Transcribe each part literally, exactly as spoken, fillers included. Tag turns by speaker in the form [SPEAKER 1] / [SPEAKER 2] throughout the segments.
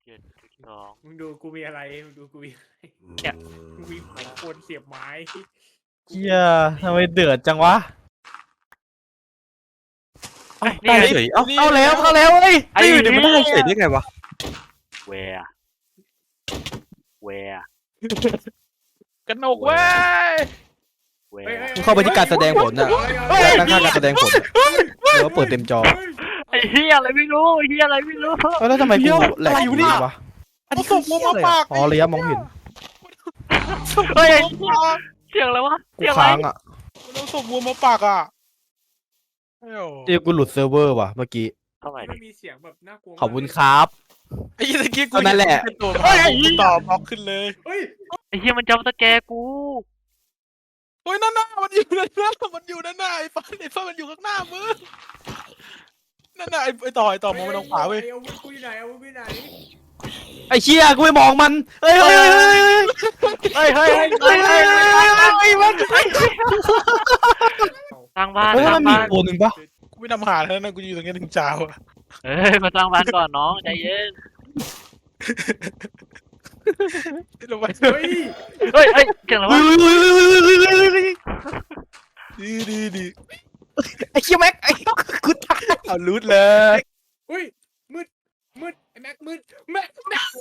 [SPEAKER 1] เจ็ดจุดสอง
[SPEAKER 2] มึงดูกูมีอะไรมึงดูกูมีอะไร
[SPEAKER 1] เนี่ย
[SPEAKER 2] กูมีไม้โคนเสียบไม้
[SPEAKER 3] เฮียทำไมเดือดจังวะ
[SPEAKER 1] เอ้ย
[SPEAKER 3] ได้
[SPEAKER 1] นี่
[SPEAKER 3] เฉ
[SPEAKER 1] ไง
[SPEAKER 3] ยเอ้าเข้าแล้วเข้าแล้วเฮ้ย
[SPEAKER 1] ไอ้
[SPEAKER 3] ไอ้เดี๋ยวมันได้
[SPEAKER 1] เหี้ย
[SPEAKER 3] เฉยได้ไงวะ
[SPEAKER 1] แวร์แวร์
[SPEAKER 4] กระหนกเว้ย
[SPEAKER 1] แว
[SPEAKER 2] ฮ้ย
[SPEAKER 1] ร์
[SPEAKER 2] ฮ้ย
[SPEAKER 3] มึงเข้าไปที่การแสดงผลน่ะ
[SPEAKER 2] เฮ้ย
[SPEAKER 3] ด้านข้างการแสดงผลอะหรือว่าเปิดเต็มจอ
[SPEAKER 1] ไอ้เฮียอะไรไม่รู้เฮียอะไรไม่รู้
[SPEAKER 3] เออแล้วทำไมกูแหลกอยู่นี่วะ
[SPEAKER 4] อันนี้คือเหี้ยอะไรอะ
[SPEAKER 3] อ๋อระยะมองเห็น
[SPEAKER 1] เฮ้ยไอ้เหี้ยเสียงอะไรวะ
[SPEAKER 3] กู
[SPEAKER 1] เสียงอะไร
[SPEAKER 3] ค้างอ่ะ
[SPEAKER 4] มันต้องส่งวัวมาปากอ่ะเอ้า
[SPEAKER 3] เดี๋ยวกูหลุดเซิร์ฟเวอร์ว่ะเมื่อกี้
[SPEAKER 1] เข้าไป
[SPEAKER 2] มั
[SPEAKER 1] ดิ
[SPEAKER 2] นมีเสียงแบบน่ากลัวมาก
[SPEAKER 3] ขอบคุณครับ
[SPEAKER 4] ไอ้ยี่ตะกี้กู
[SPEAKER 3] ก็นั่นแหละ
[SPEAKER 4] เป็นตัวมากูตอบบล็อกขึ้นเลย
[SPEAKER 2] เฮ้ย
[SPEAKER 1] ไอ้เฮียมันจำสแกร์กู
[SPEAKER 4] เฮ้ยนั่นน่ะมันอยู่นั่นน่ะมันอยู่นั่นน่ะไอ้ฟ้าไอ้ฟ้ามันอยู่ข้างหน้ามึงนั่นน่ะไอ้ไอ้ต่อไอ้ต่อมองไปทางขวาเว้ย
[SPEAKER 2] อาวุธกูอยู่ไหนอาวุธกูอยู่ไหน
[SPEAKER 3] ไอ้เชี่ยกูไม่มองมันเฮ้ยเฮ้ยเฮ้ยเฮ้ย
[SPEAKER 1] เฮ้ยเฮ้ยเฮ้ยเฮ้ยเฮ้ยเฮ้ย
[SPEAKER 3] เฮ้ยมัน
[SPEAKER 1] สร้างบ้าน
[SPEAKER 3] เฮ้ย
[SPEAKER 1] สร้า
[SPEAKER 3] มั
[SPEAKER 1] ง
[SPEAKER 3] นมี
[SPEAKER 1] บ้าน
[SPEAKER 3] ตัวหนึ่งปะ
[SPEAKER 4] กูไม่ทำหาแล้วนะกูอยู่ตรงนี้ถึงเช้าอ่ะ
[SPEAKER 1] เฮ้ยมาสร้างบ้านก่อนน้องใจเย็น
[SPEAKER 4] ลงไป
[SPEAKER 2] เฮ้ย
[SPEAKER 1] เฮ้ยเฮ้ยเสียงอะไร
[SPEAKER 3] เฮ้
[SPEAKER 1] วะ
[SPEAKER 3] ยเฮ้ยเฮ้ยเฮ้ยเฮ้ยเฮ้ยเฮ้ย
[SPEAKER 4] ดีดีดี
[SPEAKER 3] ไอ้เชี่ยแม็กไอ้กูตาย
[SPEAKER 4] เอารูดเลย
[SPEAKER 2] เฮ้ยมืดมืดไอ้แม็กมืดแม็กแม็ก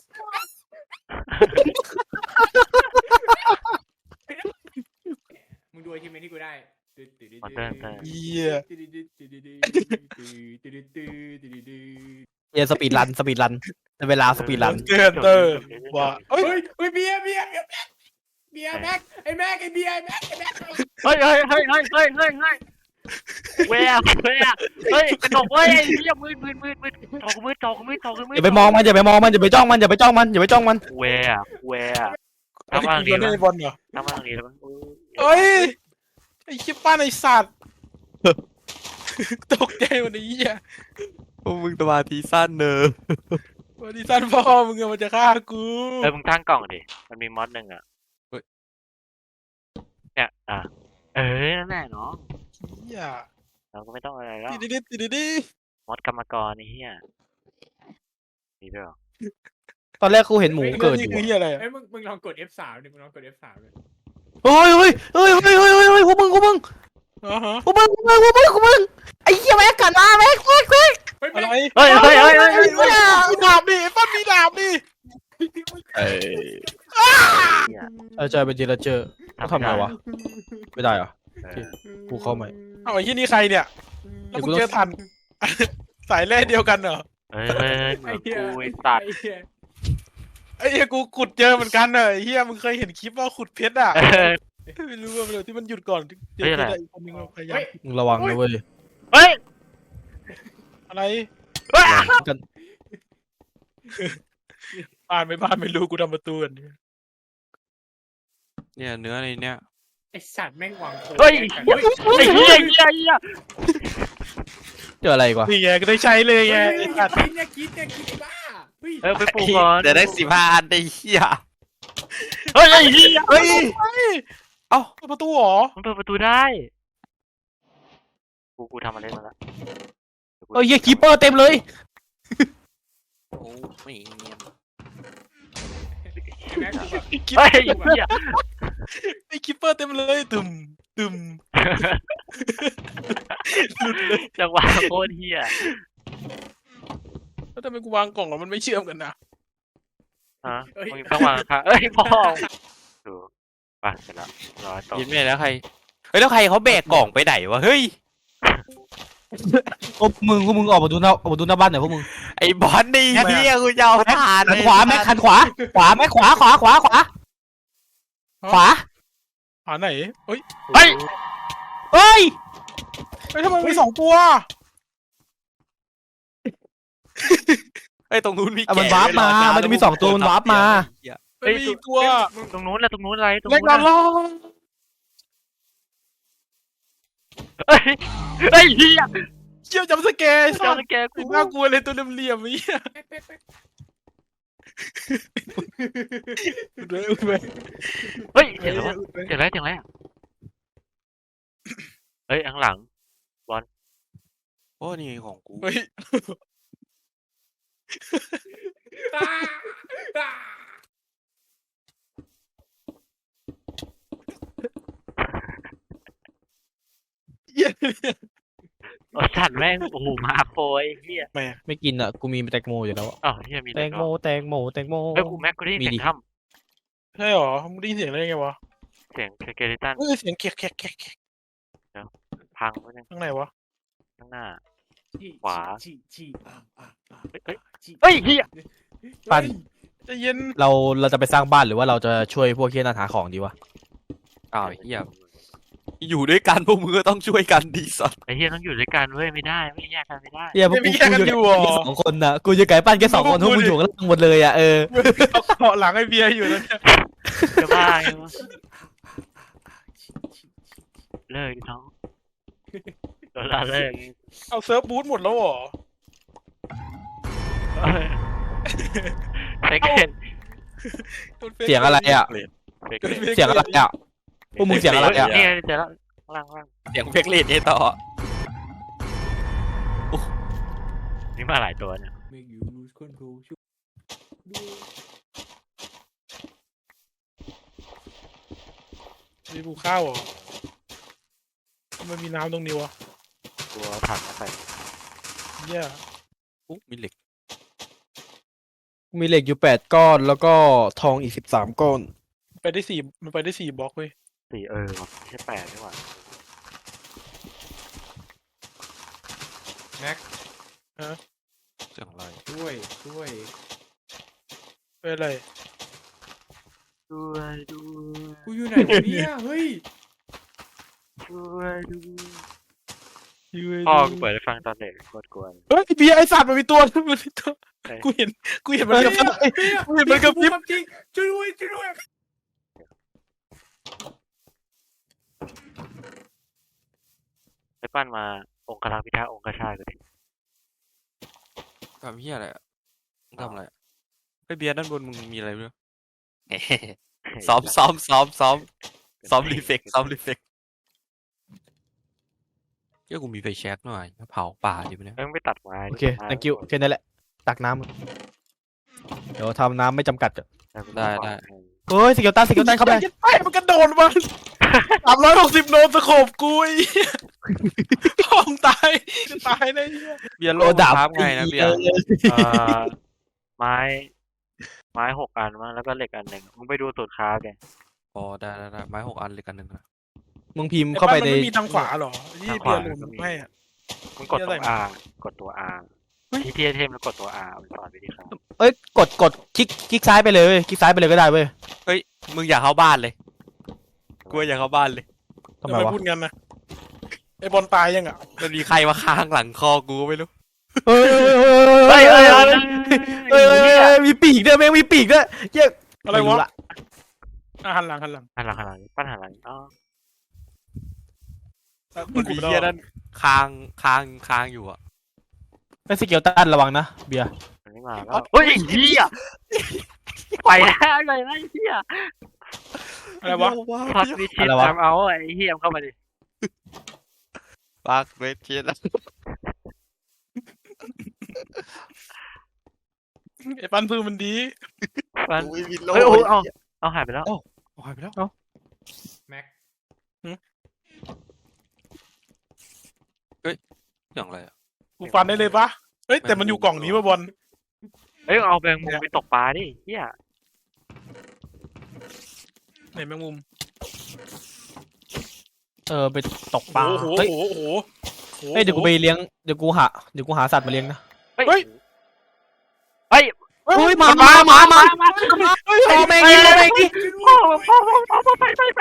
[SPEAKER 2] มึงดูไอทีมที่กูได้
[SPEAKER 1] มอนเตอร์ฮันเตอร์
[SPEAKER 4] เหี้ย
[SPEAKER 3] เฮียสปีดรันสปีดรันในเวลาสปีดรัน
[SPEAKER 4] เตอร์เตอร์ว่าเอ้ย
[SPEAKER 2] เฮ้ยเฮ้ยเบียร์เบียร์เบียร์เบียร์แม็กไอ้แม็กไอ้เบียร์ไอ้แม็กไอ้แม็ก
[SPEAKER 1] เฮ้ยเฮ้ยเฮ้ยเฮ้ยเฮ้ยเฮ้ยเฮ้ยแวร์แวร์เฮ้ยกระดกเว้ยไอ้เหี้ยมืดมืดมืดมืดจอกูมืดจอกูมืดจอกูมืด
[SPEAKER 3] อย่าไปมองมันอย่าไปมองมันอย่าไปจ้องมันอย่าไปจ้องมันอย่าไปจ้องมัน
[SPEAKER 1] แวร์แวร์
[SPEAKER 4] ไอ้
[SPEAKER 1] ทำบ้าน
[SPEAKER 4] กู
[SPEAKER 1] นี้
[SPEAKER 4] โดน
[SPEAKER 1] แล้ว
[SPEAKER 4] ไอ้บอลเหรอ
[SPEAKER 1] ทำบ้านนี้แล้วมั้ง
[SPEAKER 4] เอ้ยไอ้ชิบป้านไอ้สัตว์ตกใจวันนี้อ่ะ
[SPEAKER 3] พวกมึงสมาธิสั้นเนอะ
[SPEAKER 4] วันนี้สั้นพ่อมึงอะมันจะฆ่ากู
[SPEAKER 1] เออมึงตั้งกล่องดิมันมีมอดหนึ่งอ่ะเนี่ยอ่ะเออนั่นแหละน้อง
[SPEAKER 4] เหี้ย
[SPEAKER 1] เราก็ไม่ต้องอะไรแล้ว
[SPEAKER 4] ติดดิติดดิ
[SPEAKER 1] มอดกรรมกรนี่เฮียมีด้วยเหรอ
[SPEAKER 3] ตอนแรกกูเห็นหมูเกิดอยู่
[SPEAKER 4] นี่คือ
[SPEAKER 3] อะ
[SPEAKER 4] เหี้ยอะไรอะ
[SPEAKER 2] เอ้ยมึงมึงลองกด เอฟ สาม ดิมึงลองกด เอฟ สาม ดิ
[SPEAKER 3] เฮ้ยเฮ้ยเฮ้ยเฮ้ยเฮ้ยเฮ้ยเฮ้ยพวกมึงพวกมึง
[SPEAKER 4] อ๋อฮะ
[SPEAKER 3] พวกมึงพวกมึงพวกมึงพวกมึงไอ้เหี้ยแม็กกันมาแม็กแม็กแม็ก
[SPEAKER 2] เฮ้ย
[SPEAKER 4] อะไร
[SPEAKER 2] แม็ก
[SPEAKER 1] เฮ้ยเฮ้ยเฮ้ยเฮ้ย
[SPEAKER 4] เฮ้ยเฮ้ยมีดาบดิไอ้ป้ามีดาบดิ
[SPEAKER 3] เออเจอเป็นทีละเจอเขาทำไงวะไม่ได้เหรอ กูเข้าใหม่
[SPEAKER 4] เอาไอ้ที่นี่ใครเนี่ยแล้วมึงเจอทัน สายแร่เดียวกันเหรอ
[SPEAKER 1] เฮ้ยเฮ้ยเหมือนกูไอ้สัตว์
[SPEAKER 2] ไอ้เหี้ย
[SPEAKER 4] ไอ้เหี้ยกูขุดเจอเหมือนกันเนอะไอ้เหี้ยมึงเคยเห็นคลิปว่าขุดเพชรอ่ะ
[SPEAKER 1] เออ
[SPEAKER 4] ไม่รู้ว่ามันที่มันหยุดก่อนเจอ
[SPEAKER 1] เฮ้ย
[SPEAKER 4] เพ
[SPEAKER 1] อะไร
[SPEAKER 4] ชรอะอีกคนนึงเราพยายาม
[SPEAKER 3] มึงระวังนะเว้ย
[SPEAKER 1] เฮ้ย
[SPEAKER 4] อะไร
[SPEAKER 3] กัน
[SPEAKER 4] บ้านไม่บ้านไม่รู้กูทำประตูกันเนี่ย
[SPEAKER 5] เนี่ยเนื้อในเนี้ย
[SPEAKER 2] ไอ้สัตว์แม่งวางโค
[SPEAKER 1] เฮ้ย
[SPEAKER 2] เฮ้ย
[SPEAKER 1] ไอ้เหี้ยเหี้ยเหี้ย
[SPEAKER 3] เจออะไรอีกวะ
[SPEAKER 4] นี่ไงก็ได้ใช้เลยไง
[SPEAKER 2] เฮ้ย
[SPEAKER 4] ไอ้
[SPEAKER 2] อย่า
[SPEAKER 4] สัตว์
[SPEAKER 2] คิดเนี่ยคิดเนี่ยคิดไอ้บ้าเฮ้ย
[SPEAKER 1] เออไปปลูกก่อน
[SPEAKER 5] เดี๋ยวได้สิบห้าอันไอ้เหี้ย
[SPEAKER 1] เฮ้ยไอ้เหี้ย
[SPEAKER 5] เฮ้ย
[SPEAKER 4] เอ้าเปิดประตูเหรอ
[SPEAKER 1] มันเปิดประตูได้กูกูทำอะไรมาแล้ว
[SPEAKER 3] เอ้ยเหี้ยคีเปอร์เต็มเลย
[SPEAKER 5] โอ้ไม่เนียน
[SPEAKER 2] ไอ้แม็กกูแบบ
[SPEAKER 4] ไอ้คิป
[SPEAKER 1] เฮ้ยไอ้เหี้ย
[SPEAKER 4] ไอ้คิปเปอร์เต็มเลยตึมตึม
[SPEAKER 1] จังหวะโคตรเหี้ย
[SPEAKER 4] แล้วทำไมกูวางกล่องแล้วมันไม่เชื่อมกันนะ
[SPEAKER 1] ฮะมึงต้องวางค่ะเอ้ยพ่อดูไปเสร็จแล้วร้อยต่อ
[SPEAKER 5] ยินไม่แล้วใครเฮ้ยแล้วใครเขาแบกกล่องไปไหนวะเฮ้ย
[SPEAKER 3] พวกมึงพวกมึงออกมาดูหน้าออกมาดูหน้าบ้านหน่อยพวกมึง
[SPEAKER 5] ไอ้บอลนี่เหี้ยกูจะเอาทาน
[SPEAKER 3] หันขวาแม็กหันขวาขวาแม็กขวาขวาขวาขวาขวา
[SPEAKER 4] หาไหนเฮ้ย
[SPEAKER 1] เฮ้ย
[SPEAKER 3] เฮ้ย
[SPEAKER 4] เฮ้ยทำไมมีสองตัว
[SPEAKER 5] ไอ้ยตรงนู้นมี
[SPEAKER 3] อ่ะมัน
[SPEAKER 5] แกะ
[SPEAKER 3] วาร์ปมา
[SPEAKER 5] ไว้รอ
[SPEAKER 3] มันจะมีสองตัวมันวาร์ปมา
[SPEAKER 5] เหี้ย
[SPEAKER 4] ไม่มีอีกตัว
[SPEAKER 1] ตรงนู้นแหละตรงนู้นอะไรตรง
[SPEAKER 4] เล็ก
[SPEAKER 1] นู้น
[SPEAKER 4] ดาว
[SPEAKER 1] น่ะ
[SPEAKER 4] ล้อ
[SPEAKER 1] เฮ้ยเฮ้ยเหี้ย
[SPEAKER 4] เชี่ยวจำสแกร์ไอ้สั
[SPEAKER 1] เจ้า
[SPEAKER 4] ตว์
[SPEAKER 1] สแกกู
[SPEAKER 4] น่ากลัวเลยตัวเหลี่ยมๆไอ้เหี้ย
[SPEAKER 2] แป๊บแป๊บแป๊บ
[SPEAKER 4] อุดไว้อุดไว้
[SPEAKER 1] เฮ้ยเห็นแล้วเจ๋งแล้วเจ๋งแล้วเฮ้ยข้างหลัง
[SPEAKER 5] โอ้นี่ของกู
[SPEAKER 4] เฮ้ย
[SPEAKER 2] อ่า
[SPEAKER 4] หี้ย
[SPEAKER 1] โอ้สัตว์แม่งโอ้โหมาโคยเฮีย
[SPEAKER 4] แม่
[SPEAKER 3] ไม่กินอ่ะกูมีแตงโมอยู่แล้วอะ
[SPEAKER 1] อ๋อเฮียมี
[SPEAKER 3] แตงโมแตงโมแตงโม
[SPEAKER 1] เฮ้ยกูแม็กกูได้ยิน
[SPEAKER 3] มี
[SPEAKER 1] เสี
[SPEAKER 3] ดิ
[SPEAKER 1] ยงถ้
[SPEAKER 4] ใช่หรอมึงได้ยินเสียงอะไรไงวะ
[SPEAKER 1] ำเสียงสเกเลตัน
[SPEAKER 4] เออเสียงแขกแขกแขกแขก
[SPEAKER 1] พังไปนึง
[SPEAKER 4] ข้างไหนวะ
[SPEAKER 1] ข้างหน้า
[SPEAKER 2] ฉี่
[SPEAKER 1] ขวา
[SPEAKER 2] ฉี่ฉี่อ่ะอ่ะอ่ะ
[SPEAKER 1] เฮ้ยเฮ้ย
[SPEAKER 2] ฉี่
[SPEAKER 1] เฮ้ยเฮีย
[SPEAKER 3] ปั้น
[SPEAKER 4] ใจะเย็น
[SPEAKER 3] เราเราจะไปสร้างบ้านหรือว่าเราจะช่วยพวกเฮียนั่นหาของดีวะ
[SPEAKER 5] อ้าวเฮียอยู่ด้วยกันพวกมึงก็ต้องช่วยกันดีสัส
[SPEAKER 1] ไอ้เฮียต้องอยู่ด้วยกันเว้ยไม่ได้ไม่แยกกันไม่ได้
[SPEAKER 3] เฮียพวก
[SPEAKER 4] ไม่
[SPEAKER 3] กู
[SPEAKER 4] แยกกันอยู่หรอ
[SPEAKER 3] สองคนน่ะกูจะไก่ปั้นแค่สองคนพวกมึงอยู่กันล่างหมดเลยอ่ะเออ
[SPEAKER 4] เอาเกาะหลังไอ้เบียร์อยู่แล้วเนี่ย
[SPEAKER 1] จะบ้าไงวะเลิกดิน้องโดนละเลิก
[SPEAKER 4] เอาเซิร์ฟบูทหมดแล้วเหรอ
[SPEAKER 1] เฟกเล่น
[SPEAKER 3] เสียงอะไรอ่ะ
[SPEAKER 1] เฟกเล่น
[SPEAKER 3] เสียงอะไรอ่ะพวกมึงเสียงอะไรอ่ะ
[SPEAKER 1] นี่ไงเจอแล้วล่างล่าง
[SPEAKER 5] เสียงเพกเลดไอ้ต่อ
[SPEAKER 1] นี่มาหลายตัวเนี่ย
[SPEAKER 2] Make you lose control ช่วยด้วย
[SPEAKER 4] มีปูข้าวเหรอทำไมันมีน้ำตรงนี้วะ
[SPEAKER 1] ตัวถังมาใส่
[SPEAKER 4] เหี้ย
[SPEAKER 5] อุ๊ยมีเหล็ก
[SPEAKER 3] มีเหล็กอยู่แปดก้อนแล้วก็ทองอีกสิบสามก้อน
[SPEAKER 4] ไปได้สี่มันไปได้สี่บล็อกเว้ย
[SPEAKER 1] สี่เออว่ะไม่ใช่แปดนี่หว่า
[SPEAKER 2] แม็ก
[SPEAKER 5] เสียงอะไร
[SPEAKER 2] ช่วยช่วย
[SPEAKER 4] ไปอะไร
[SPEAKER 1] ช่วยด้วย
[SPEAKER 2] กูอยู่ไหนวะเนี่ยเฮ้ย
[SPEAKER 1] ช่วยด้วย
[SPEAKER 4] ช่วย
[SPEAKER 1] พ่อ
[SPEAKER 4] ด้วย
[SPEAKER 1] กูเปิดให้ฟังตอนเด็กโคตรกวน
[SPEAKER 4] เฮ้ยเบียร์ไอสัตว์มันมีตัวมันมีตัวกูเห็นกูเห็นมันกับ
[SPEAKER 2] เฮ้ยเฮ้ย
[SPEAKER 4] กูเห็นมันกับ
[SPEAKER 2] พู
[SPEAKER 4] ยิ
[SPEAKER 2] ด
[SPEAKER 4] บ
[SPEAKER 2] ความจริงช่วยด้วยช่วยด้วย
[SPEAKER 1] ไปปั้นมาองค์กรพิทักษ์องค์กชาติก็ดิ
[SPEAKER 5] ทำเฮียอะไรอะมึงทำอะไรอะไอ้เบียร์ด้านบนมึงมีอะไรด้วยซ้อมซ้อมซ้อมซ้อมซ้อมรีเฟกซ้อมรีเฟกเจ้ากูมีไฟแช็กหน่อยเผาป่าดิมันเนี่ย
[SPEAKER 1] เอ้ยมึงไปตัดไม้
[SPEAKER 3] โอเค thank you แค่นั้นแหละตักน้ำเดี๋ยวทำน้ำไม่จำกัดอะ
[SPEAKER 5] ได้ได้
[SPEAKER 3] เฮ้ยสเกลตันสเกลตันเข้าไป
[SPEAKER 4] ไอ้มันกระโดดมาสามร้อยหกสิบโนสโคบกูไอ้เหี้ยพ่อมึงตายจะตายได้เหี้ย
[SPEAKER 5] เบียร์โล
[SPEAKER 3] โอ้
[SPEAKER 5] ดา
[SPEAKER 3] ดา
[SPEAKER 5] บบ ไงนะเบียร์
[SPEAKER 1] เอ่อไม้ ไม้หกอันมั้งแล้วก็เหล็กอันหนึ่งมึงไปดูสูตรค้าแก
[SPEAKER 5] อ๋อได้ได้ได้ไม้หกอันเลยกันหนึ่งนะ
[SPEAKER 3] มึงพิมพ์เข้าไปใน
[SPEAKER 4] มันไม่มีทางขวาเหรอยี่เบียร์หลุมให้อะ
[SPEAKER 1] มึงกดตัว
[SPEAKER 4] เหี้ยอะไร
[SPEAKER 1] R กดตัว R ที่ที่เทมแล้วกดตัว R มันสอนวิธีค้า
[SPEAKER 3] เอ้ยกดกดคลิกคลิกซ้ายไปเลยเว้ยคลิกซ้ายไปเลยก็ได้เว้ย
[SPEAKER 5] เฮ้ยมึงอยากเข้าบ้านเลยกูอยากเข้าบ้านเลย
[SPEAKER 3] ทำ
[SPEAKER 4] ทำ
[SPEAKER 3] ไม
[SPEAKER 4] ไม
[SPEAKER 3] วะ
[SPEAKER 4] พูดงั้นนะไอ้บอลตายยังอ่ะ
[SPEAKER 5] มันมีใครมาค้างหลังคอกูไม่รู้
[SPEAKER 3] เฮ้ยเฮ้ยเฮ้ยเฮ้ยเฮ้ยเฮ้ยเฮ้ยมีปีกด้วยแม่งมีปีกด้วยเหี้ย
[SPEAKER 4] อะไร
[SPEAKER 3] ม่
[SPEAKER 4] วะ
[SPEAKER 3] ละ
[SPEAKER 4] อ่ะหันหลังหันหลัง
[SPEAKER 1] หันหลังหันหลังปั้นหันหลังอ๋อ
[SPEAKER 5] มันมีเฮียนั่นค้างค้างค้างอยู่อะ
[SPEAKER 3] เป็นสเกลตันระวังนะเบียร์
[SPEAKER 1] มันไม่มาแล้วเฮ้ยไอ้เหี้ยไปแล้วไปแล้วไอ้เหี้ย
[SPEAKER 4] อะไรวะ
[SPEAKER 1] พักวิชิตตามเอาไอ้เหี้ยมเข้ามาดิ
[SPEAKER 5] ปักเวทีแล้ว
[SPEAKER 4] ไอ้ปันพื้นมันดี
[SPEAKER 1] ปั้น
[SPEAKER 5] ไม่มีโล
[SPEAKER 1] เฮ้ยโอ้ยเอาเอาหายไปแล้ว
[SPEAKER 5] หายไปแล้ว
[SPEAKER 2] แม็ก
[SPEAKER 5] อย่างไรอะ
[SPEAKER 4] กูฟันได้เลยปะเฮ้ยแต่มันอยู่กล่องนี้ป่ะบอล
[SPEAKER 1] เฮ้ยเอาแบงมุมไปตกปลาดิเหี้ย
[SPEAKER 4] ไหนแมงมุม
[SPEAKER 3] เออไปตกปลา
[SPEAKER 4] โอ้โห
[SPEAKER 3] เฮ้ย
[SPEAKER 4] โอ้โหโอ้โห
[SPEAKER 3] เฮ้ยเดี๋ยวกูไปเลี้ยงเดี๋ยวกูหาเดี๋ยวกูหาสัตว์มาเลี้ยงนะ
[SPEAKER 1] เฮ้ยเฮ้ย
[SPEAKER 3] เฮ้ยมามามามาพ่อแม่งนี่พ่อแม่งนี่
[SPEAKER 1] พ่อพ่อพ่อพ่อพ่อไปไปไป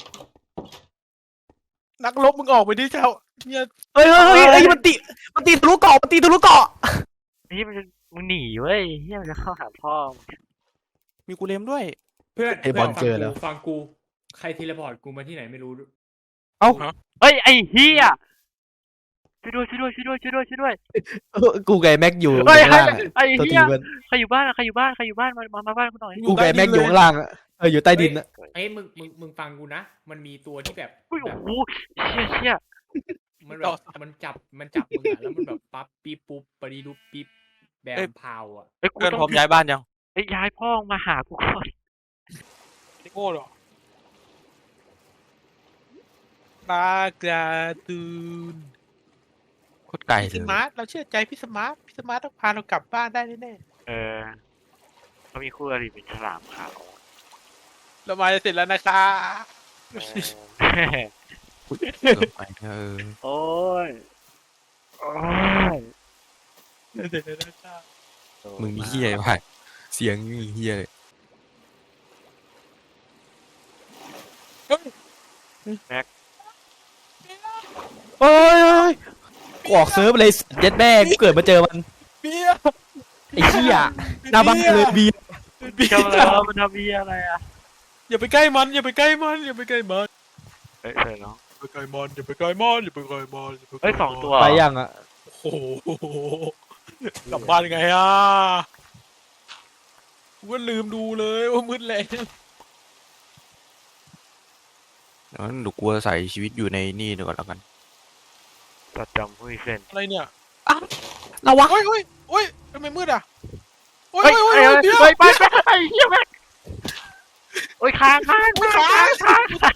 [SPEAKER 4] นักรบมึงออกไปดิเจ้าเนี่ย
[SPEAKER 3] เฮ้ยเฮ้ยเฮ้ยเฮ้ยมันตีมันตีทะลุเกาะมันตีทะลุเกาะ
[SPEAKER 1] นี่มันมึงหนีเว้ยเฮียมันจะเข้าหาพ่อ
[SPEAKER 5] มีกูเลมด้วย
[SPEAKER 2] เพื่อน
[SPEAKER 3] ไอ้บอลเจอแล้ว
[SPEAKER 2] ฟังกูใครเทเลพอร์ตกูมาที่ไหนไม่รู้
[SPEAKER 1] เฮ้ยไอ้เฮียช่วยด้วยช่วยด้วยช่วยด้วยช่วยด้วยช่วยด้วย
[SPEAKER 3] เออกูกับไอ้แม็กอยู่
[SPEAKER 1] เฮ้ย
[SPEAKER 3] ข้างล่างอะ
[SPEAKER 1] ไอ้
[SPEAKER 3] ตัว
[SPEAKER 1] เฮี
[SPEAKER 3] ที
[SPEAKER 1] ย
[SPEAKER 3] เพื่อน
[SPEAKER 1] ใครอยู่บ้านใครอยู่บ้านใครอยู่บ้านใครอยู่บ้านมามามาบ้านกูหน่อย
[SPEAKER 3] กูกับไอ้แม็กอยู่ข้างล่างอะเอออยู่ใต้ดินอะ
[SPEAKER 2] เอ้ยมึงมึงมึงฟังกูนะ มันมีตัวที่แบบ
[SPEAKER 1] อุ้ย
[SPEAKER 2] แบ
[SPEAKER 1] โอ้
[SPEAKER 2] บ
[SPEAKER 1] โหเฮียเฮีย
[SPEAKER 2] มันแบบมันจับมันจับมึงอะแล้วมันแบบปั๊บปี๊บปุ๊บปรีดุบปี๊บแบบพาวอ่ะ
[SPEAKER 1] เอ้ยกู
[SPEAKER 5] เพื่อน
[SPEAKER 1] ต้อ
[SPEAKER 5] พร้อง มย้ายบ้านยัง
[SPEAKER 1] เอ้ยย้ายพ่อมาหากูก่อน
[SPEAKER 4] ไอ้โง่เหรอปลาการ์ตูน
[SPEAKER 5] โคตรไกล
[SPEAKER 4] พี่
[SPEAKER 5] เล
[SPEAKER 4] ส
[SPEAKER 5] ย
[SPEAKER 4] มาร์ทเราเชื่อใจพี่สมาร์ทพี่สมาร์ทต้องพาเรากลับบ้านได้แน่
[SPEAKER 1] เออเขามีคู่อริเป็นฉลามขาว
[SPEAKER 4] ๆเรามาจะเสร็จแล้วนะคะ
[SPEAKER 1] เออ
[SPEAKER 5] เกือบไปเออ
[SPEAKER 1] โอ้ยโอ้ย
[SPEAKER 4] เสร็จแล้วนะคะ
[SPEAKER 5] มึงมีเฮียไปเสียงมีเฮียเลย
[SPEAKER 3] โอ้ยโอ้ยกูออกเซิร์ฟเลยเย็ดแม่กูเกิดมาเจอมัน
[SPEAKER 4] เบียร์
[SPEAKER 3] ไอ้เหี้ยหน้าบ้านเลยบี
[SPEAKER 4] เบีย
[SPEAKER 1] ทำอะไร
[SPEAKER 4] ร์
[SPEAKER 1] วะมันทำเบียอะไรอ่ะ
[SPEAKER 4] อย่าไปใกล้มันอย่าไปใกล้มันอย่าไปใกล้มัน
[SPEAKER 1] เฮ้ยเออเนาะ
[SPEAKER 4] อย่าไปใกล้มันอย่าไปใกล้มันอย่าไปใกล้มันอย่าไปใกล้มัน
[SPEAKER 1] เฮ้ยสองตัว
[SPEAKER 3] ไปยังอ่ะ
[SPEAKER 4] โอ้โหกลับบ้านไงอ่ะกูก็ลืมดูเลยว่ามืดแล้ว
[SPEAKER 5] งั้นเดี๋ยวกูจะใส่ชีวิตอยู่ในนี่ดีกว่าแล้วกัน
[SPEAKER 1] ตัดจำผู้มีเส้น
[SPEAKER 4] อะไรเนี่ย
[SPEAKER 3] ระวัง
[SPEAKER 4] โอ้ยโอ้ยโอ้ยทำไมมืดอ่ะโอ้ย
[SPEAKER 1] เฮ้ย
[SPEAKER 4] โอ้ย
[SPEAKER 1] เฮ้ย
[SPEAKER 4] โอ้ยเบียร์
[SPEAKER 1] เฮ้ยไปไปไอ้เหี้ยแม่งโอ้ยค้างค้างค้างค้างค้าง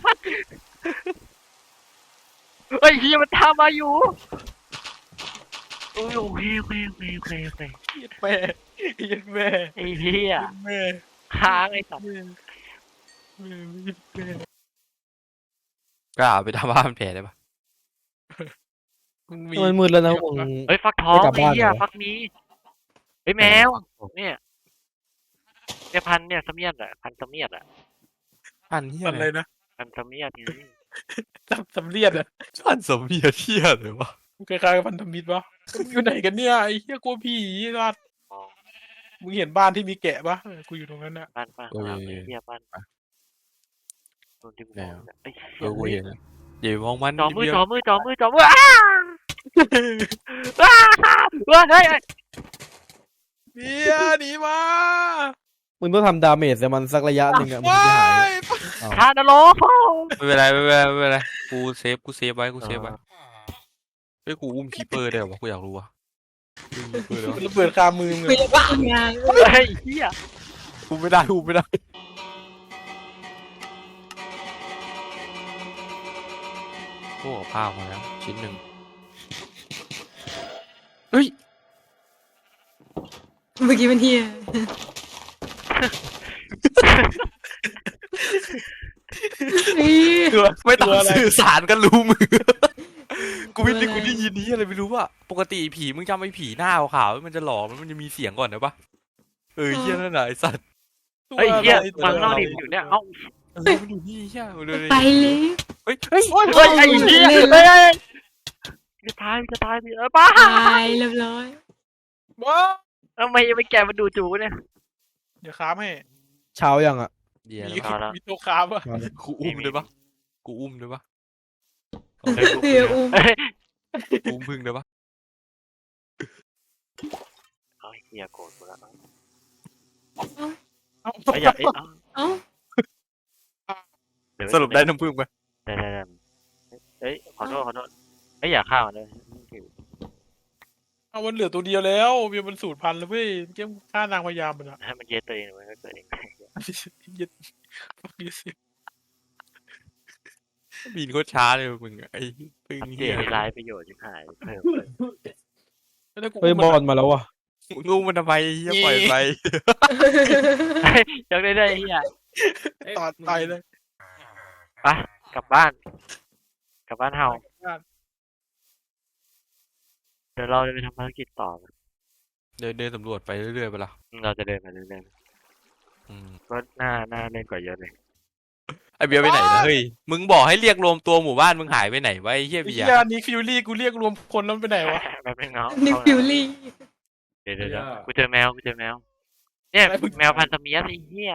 [SPEAKER 1] เฮ้ยเหี้ยมันทำมาอยู่โอ้ยโอเคโอเคโอเคโอเคโอเค
[SPEAKER 4] เหี้ย็ดแม่เหี้ย็ดแม่
[SPEAKER 1] ไอ้เหี้ย
[SPEAKER 4] เหี้ย็ดแม่
[SPEAKER 1] ค้างไอ้สัตว์
[SPEAKER 4] แม่แม่เหี้ย็ดแม่
[SPEAKER 5] กล้าไปทำบ้านแผลได้ปะ
[SPEAKER 4] มึง
[SPEAKER 3] มันมืดแล้วนะมึง
[SPEAKER 1] เฮ้ยฟักทอง
[SPEAKER 3] ไม่กลับ
[SPEAKER 1] ไอ้
[SPEAKER 3] บ้าน
[SPEAKER 1] เหี้ย
[SPEAKER 3] เหรอ
[SPEAKER 1] ฟักนี้เฮ้ยแมวเนี่ยเนี่ยพันธุ์เนี่ยเสมียดอ่ะพันธุ์เสมียดอ่ะ
[SPEAKER 5] พันเฮีย
[SPEAKER 4] มันอะไรนะ
[SPEAKER 1] พันธุ์เสมียดนี่
[SPEAKER 4] สำสำเลียดอ่ะ
[SPEAKER 5] พันสมเฮียเฮียเลยวะ
[SPEAKER 4] มึงคล้ายๆกับพันธมิตรปะมึงอยู่ไหนกันเนี่ยไอ้เหี้ยกลัวผีไอ้สัส
[SPEAKER 1] อ๋อ
[SPEAKER 4] มึงเห็นบ้านที่มีแกะปะเออกูอยู่ตรงนั้นน่ะ
[SPEAKER 1] บ้านบ้านข้างหลังไอ้เหี้ยบ้านโดนที่กูมองเนี่ยไอ้
[SPEAKER 5] เอ
[SPEAKER 1] เหี้ย
[SPEAKER 5] อกูเห็นนะอย่าไปมองมัน
[SPEAKER 1] จอมือ
[SPEAKER 5] เดียว
[SPEAKER 1] จอมือจอมือจอมืออ้าอ้าเฮ้ยเฮ้ย
[SPEAKER 4] เบียร์หนีมา
[SPEAKER 3] มึงต้องทำดาเมจแต่มันสักระยะหนึ่งอ่ะมัน
[SPEAKER 4] ว้า
[SPEAKER 3] จะหาย
[SPEAKER 4] ย
[SPEAKER 3] เอา
[SPEAKER 1] ทานโล
[SPEAKER 5] ไม่เป็นไรไม่เป็นไรไม่เป็นไรกูเซฟกูเซฟไว้กูเซฟไว้เฮ้ยกูอุ้มคีเปอร์ได้เหรอวะกูอยากรู้ว่ะอุ้มคีเปอร์ได้วะ
[SPEAKER 4] ระเบิดคามือมึง
[SPEAKER 6] ไป
[SPEAKER 4] อะ
[SPEAKER 6] บ้านงาน
[SPEAKER 1] เฮ้ยเหี้ย
[SPEAKER 5] อุ้มไม่ได้อุ้มไม่ได้พวกกับข้าวมาแล้วชิ้นหนึ่งเฮ้ย
[SPEAKER 6] เมื่อกี้มันเฮีย เฮ้ย
[SPEAKER 5] ไม่ต้องสื่อสารกันรู้มือ กูไม่ได้กูได้ยินนี้อะไรไม่รู้ว่าปกติผีมึงจำไอ้ผีหน้าขาวๆมันจะหลอกมันจะมีเสียงก่อนนะปะเออเฮี้ยนั่นน่ะไอ้สัตว์
[SPEAKER 4] ตัว
[SPEAKER 1] เฮ้ยเหี้ย
[SPEAKER 4] อะไร
[SPEAKER 1] มัน
[SPEAKER 4] ตัว
[SPEAKER 1] เล่า
[SPEAKER 4] อะไร
[SPEAKER 1] ดิอยู่เนี่ยเอ้า
[SPEAKER 5] เออมันอยู่นี่เฮี้ยมันเลย
[SPEAKER 6] ไปเลย
[SPEAKER 5] เฮ้ยเฮ้ย
[SPEAKER 4] โอ้ย
[SPEAKER 1] เฮ้ยไอ้เหี้ยเฮ้ยเฮ้ยจะตายจะตายดิเออป้า
[SPEAKER 6] ตายเรียบร้อย
[SPEAKER 4] ว้า
[SPEAKER 1] ทำไมยังไม่แกมันดูจูเนี่ย
[SPEAKER 4] เดี๋ยวค้ามให้
[SPEAKER 3] เช้ายังอ่ะ
[SPEAKER 5] เดี๋ยว
[SPEAKER 4] มี
[SPEAKER 5] นะ
[SPEAKER 1] เอาละ
[SPEAKER 4] มีตัวค้ามปะ
[SPEAKER 3] มาเลย
[SPEAKER 5] กูอุ้มได้ปะกูอุ้มได้ปะ
[SPEAKER 6] เฮียอุ้ม
[SPEAKER 1] เฮ้ย
[SPEAKER 5] กูอุ้มพึ่งได้ปะ
[SPEAKER 1] เอาเหี้ยโกรธกูแล้ว
[SPEAKER 4] เอา
[SPEAKER 1] ไอ้อย่าไอ้เอ้า
[SPEAKER 6] เอ้า
[SPEAKER 1] เยว
[SPEAKER 5] สรุปได้น้ำพึ่งไหม
[SPEAKER 1] ได้ได้ได้เฮ้ยขอโทษขอโทษเฮ้ยอย่าฆ่ามันเลย
[SPEAKER 4] เอามันเหลือตัวเดียวแล้วเบียร์มันสูญพันธุ์แล้วเว้ยเจ้าฆ่านางพยามมันอะ
[SPEAKER 1] ให้มันเย็ดตัวเองมันก็เกิดเอง
[SPEAKER 4] เย็ดฟักยูสิ
[SPEAKER 5] บินโคตรช้าเลยมึงไอ้พึ่ง
[SPEAKER 1] อัปเด
[SPEAKER 5] เฮี้ย
[SPEAKER 1] ตให้ร้ายประโยชน์ชิบหายเพิ่มเลย
[SPEAKER 4] แล้วกู
[SPEAKER 3] เฮ้ย
[SPEAKER 4] อุ้ม
[SPEAKER 3] บอ
[SPEAKER 4] มัน
[SPEAKER 3] ลมาแล้วว่ะ
[SPEAKER 5] มึงอุ้มมันทำไมเฮี้ยปล่อยไป
[SPEAKER 1] ยังได้ได้ไอ้เหี้ย
[SPEAKER 2] เอ้ย
[SPEAKER 4] ตอดตายเลย
[SPEAKER 1] ไปกลับบ้าน กลับบ้านเฮาเดี๋ยวเราจะไปทำภารกิจต่อ
[SPEAKER 5] เดินเดินสำรวจไปเรื่อยๆไปละ
[SPEAKER 1] เราจะเดินไปเรื่อย
[SPEAKER 5] อืม
[SPEAKER 1] ๆก็น่าน่าเล่นกว่าเยอะเลย
[SPEAKER 5] ไอเบียร์ไปไหนนะเฮ้ยมึงบอกให้เรียกรวมตัวหมู่บ้านมึงหายไปไหนวะไอ้เฮี้ย
[SPEAKER 4] ไอ้
[SPEAKER 5] เบีย
[SPEAKER 4] เหี้
[SPEAKER 5] ร์
[SPEAKER 4] ยนิกฟิวลี่กูเรียกรวมคนแล้วมันไปไหนวะ
[SPEAKER 1] แบบนึงเนาะ
[SPEAKER 6] นิกฟิวลี่
[SPEAKER 1] เดี๋ยวเดี๋ยวเดี๋ยวกูเจอแมวกูเจอแมว เนี่ยแมวพันธุ์สเมียสไอ้เหี้ย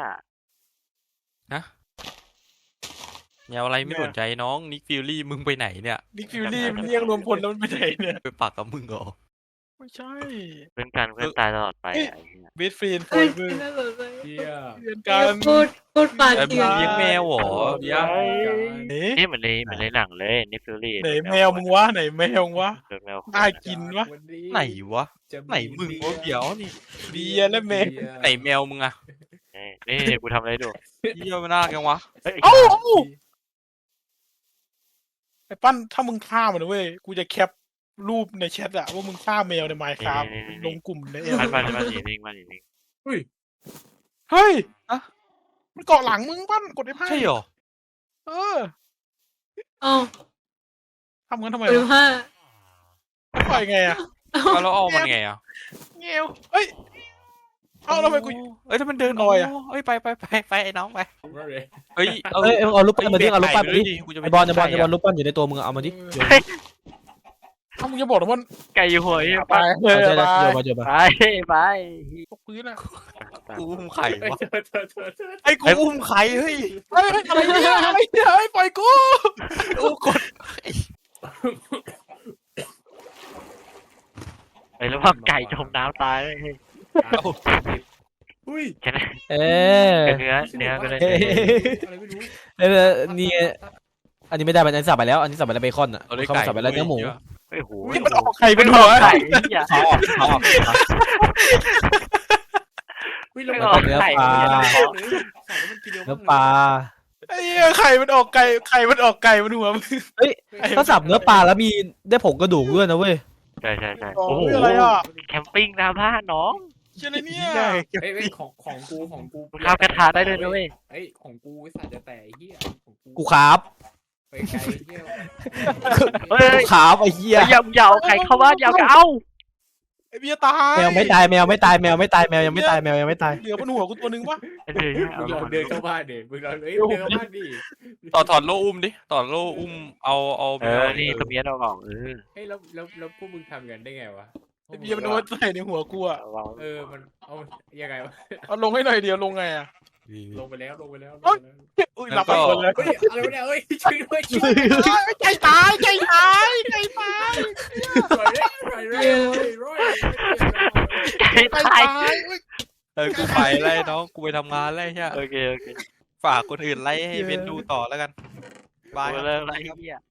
[SPEAKER 5] แนวอะไรไม่สนใจน้องนิกฟิลลี่มึงไปไหนเนี่ย
[SPEAKER 4] นิกฟิวลี่มันเรียกรวมคนแล้วมันไปไหนเนี่ย
[SPEAKER 5] ไปปักกับมึงเหรอ
[SPEAKER 4] ไม่ใช่
[SPEAKER 1] เพื่อนกันเพื่อนตายตลอดไปอะไอ้เหี้ย
[SPEAKER 4] เบสฟรีนโฟ
[SPEAKER 6] เฮ้ย
[SPEAKER 4] เวอร์
[SPEAKER 6] น่าสนใจ
[SPEAKER 2] เฮีย
[SPEAKER 4] เพื่อน
[SPEAKER 6] เฮี
[SPEAKER 4] กั
[SPEAKER 6] ย
[SPEAKER 4] น
[SPEAKER 6] พูดพูดปาก
[SPEAKER 5] ไอ้มึ
[SPEAKER 6] เถื่
[SPEAKER 5] ง
[SPEAKER 6] อน
[SPEAKER 5] เลี้ยงแมวเหรอเบียร์
[SPEAKER 4] เอ๊ะ
[SPEAKER 1] นี่เหมือนในเหมือนในหนังเลยนิฟิลลี่
[SPEAKER 4] ไหนแมวมึงวะไหนแมวมึงวะ
[SPEAKER 1] โดนแมว
[SPEAKER 4] น่ากินวะ
[SPEAKER 2] วันนี้
[SPEAKER 5] ไหนวะ
[SPEAKER 2] จะ
[SPEAKER 5] ไหนมึงวะเบียร์นี่
[SPEAKER 4] เบียร์และแมว
[SPEAKER 5] ไหนแมวมึงอะ
[SPEAKER 1] นี่นี่กูทำอะไรดู
[SPEAKER 5] เฮี้ยมันน่ากังวะ
[SPEAKER 1] เฮ้ย
[SPEAKER 4] เอ้าไอ้ปั้นถ้ามึงฆ่ามันนะเว้ยกูจะแคปรูปในแชทอะว่ามึงฆ่าแมวในไมค์ครับลงกลุ่มในเอ็ม
[SPEAKER 1] มันมันมันหนีนิ่งมันหนีนิ่ง
[SPEAKER 4] เฮ้ยอะมันเกาะหลังมึงปั้นกดไอ้ไพ่
[SPEAKER 5] ใช่เหรอ
[SPEAKER 4] เออ
[SPEAKER 6] อ๋อ
[SPEAKER 4] ทำงั้นทำไม
[SPEAKER 6] หรือ
[SPEAKER 4] วะ
[SPEAKER 6] ว่า
[SPEAKER 4] ปล่อยไงอะ
[SPEAKER 5] เอาแล้วเอามันไงอ่ะ
[SPEAKER 4] เงี้ยวเฮ้ยเอาแล้วทำไมกู
[SPEAKER 5] เอ้ยถ้ามันเดิน
[SPEAKER 4] ลอยอะ
[SPEAKER 5] เอ้ยไปไปไปไปไอ้น้องไป
[SPEAKER 2] ผมว่าเลย
[SPEAKER 5] เฮ้ย
[SPEAKER 3] เอ้ยเอารูปปั้นมาดิเอารูปปั้นมาดิ
[SPEAKER 5] กูจะ
[SPEAKER 3] ไอบอลไอบอลไอบอลรูปปั้นอยู่ในตัวมึงเอามาดิ
[SPEAKER 4] ถ้ามึงจะบอกนะว่า
[SPEAKER 1] ไก่อยู่หัวไอ้
[SPEAKER 4] ไป
[SPEAKER 1] ปั้น
[SPEAKER 4] เลย
[SPEAKER 3] เอาใจ
[SPEAKER 4] ไป
[SPEAKER 3] เลยเดี๋ยวมาเดี๋ยวมา
[SPEAKER 1] ไปไป
[SPEAKER 4] ตกพื้นอะ
[SPEAKER 5] กูอุ้มไข่วะ
[SPEAKER 2] เธอเธอเธอเธอ
[SPEAKER 5] ไอ้กูอุ้มไข่เฮ้ย
[SPEAKER 4] เฮ้ยอะไรเนี่ยอะไรเนี่ยเฮ้ยปล่อยกู
[SPEAKER 5] กูกด
[SPEAKER 1] ไอ้แล้วว่าไก่จมน้ำตายเลยเฮ้ย
[SPEAKER 2] อุ้ย
[SPEAKER 1] แค่นั้น
[SPEAKER 3] เอ๊ะ
[SPEAKER 1] เนื้อเนื้อก็เลย
[SPEAKER 2] อะไรไม่รู้
[SPEAKER 3] เออนี่อันนี้ไม่ได้อันนี้สับไปแล้ว อันนี้สับไปแล้วเบคอนอ่ะ
[SPEAKER 5] เอาเลย
[SPEAKER 3] เขา
[SPEAKER 5] ไก่
[SPEAKER 3] สับไปแล้วเนื้อหมู
[SPEAKER 1] ไอ้โห
[SPEAKER 4] นี่มันออกไข่เป็นหัว
[SPEAKER 1] ไก่เนี่ย
[SPEAKER 3] เขาออกเขาออก
[SPEAKER 2] อุ้ย
[SPEAKER 1] ไม่
[SPEAKER 2] เรา
[SPEAKER 1] ออก
[SPEAKER 3] เนื้อ
[SPEAKER 1] ไข่
[SPEAKER 3] ปลา
[SPEAKER 1] เนี่ย
[SPEAKER 3] เนื้อปลา
[SPEAKER 4] ไอ้เหี้ยไข่มันออกไก่ไข่มันออกไก่มันหัวมึง
[SPEAKER 3] ถ้าสับเนื้อปลาแล้วมีได้ผงกระดูกด้วยนะเว้ย
[SPEAKER 1] ใช่ใช่ใช่
[SPEAKER 4] อ๋อ
[SPEAKER 1] โอ้โห
[SPEAKER 4] อะไรอ่ะ
[SPEAKER 1] แคมปิ้งหน้าบ้านน้อง
[SPEAKER 4] เชื่ออะไรเนี่ย
[SPEAKER 2] เอ้ยเอ้ยของของกูของกู
[SPEAKER 1] ข้าวกระทะได้เลยนะเว้ย
[SPEAKER 2] เอ้ยของกูไอ้สัตว์จะแต่ไอ้เหี้ยของกู
[SPEAKER 3] กูครับ
[SPEAKER 2] ไปไกลเหี้ย
[SPEAKER 1] เฮ้ย
[SPEAKER 3] กูครับไอ้เหี้ย
[SPEAKER 1] อย่าอย่าเอาไข่เข้าบ้านอย่าเอา
[SPEAKER 4] ไอ้เบียร์ตาย
[SPEAKER 3] แมวไม่ตายแมวไม่ตายแมวไม่ตายแมวยังไม่ตายแมวยังไม่ตาย
[SPEAKER 4] เหลือบนหัวกูตัวนึงปะ
[SPEAKER 1] เออ
[SPEAKER 2] มึงลองเดินเข้าบ้านดิมึงลองเอ้ยเดินเข้าบ้านดิ
[SPEAKER 5] ต่อถอดโล่อุ้มดิต่อโล่อุ้มเอาเอา
[SPEAKER 1] เออนี่ตะเมียนเอากล่องเออ
[SPEAKER 2] เฮ้ยแล้วแล้วแล้วพวกมึงทำกันได้ไงวะ
[SPEAKER 4] ไอ้เบียร์มันเอาไว้ใส่ในหัวกูอะ
[SPEAKER 1] เอาลอง
[SPEAKER 2] เออมันเอายังไงวะ
[SPEAKER 4] เอาลงให้หน่อยเดียวลงไงอะ
[SPEAKER 2] ลงไปแล้วลงไปแล้ว
[SPEAKER 4] อุ้ยหลับไปคนเลย
[SPEAKER 2] เฮ้ยอะไรวะเนี่ยเฮ้ยช่วยด้วยช่วยด้วย
[SPEAKER 4] ใจตายใจตายใจตาย
[SPEAKER 2] ช่วยด้วยช่วยด้วยช่วยด้วย
[SPEAKER 1] ไก่
[SPEAKER 4] ใจ
[SPEAKER 1] ตาย
[SPEAKER 4] ตายเว้ย
[SPEAKER 5] เออกูไปไล่น้องกูไปทำงานไล่ใช่
[SPEAKER 1] โอเคโอเค
[SPEAKER 5] ฝากคนอื่นไล่ให้เบนดูต่อแล้วกันบาย
[SPEAKER 1] เอาเลยอะไรเหี้ย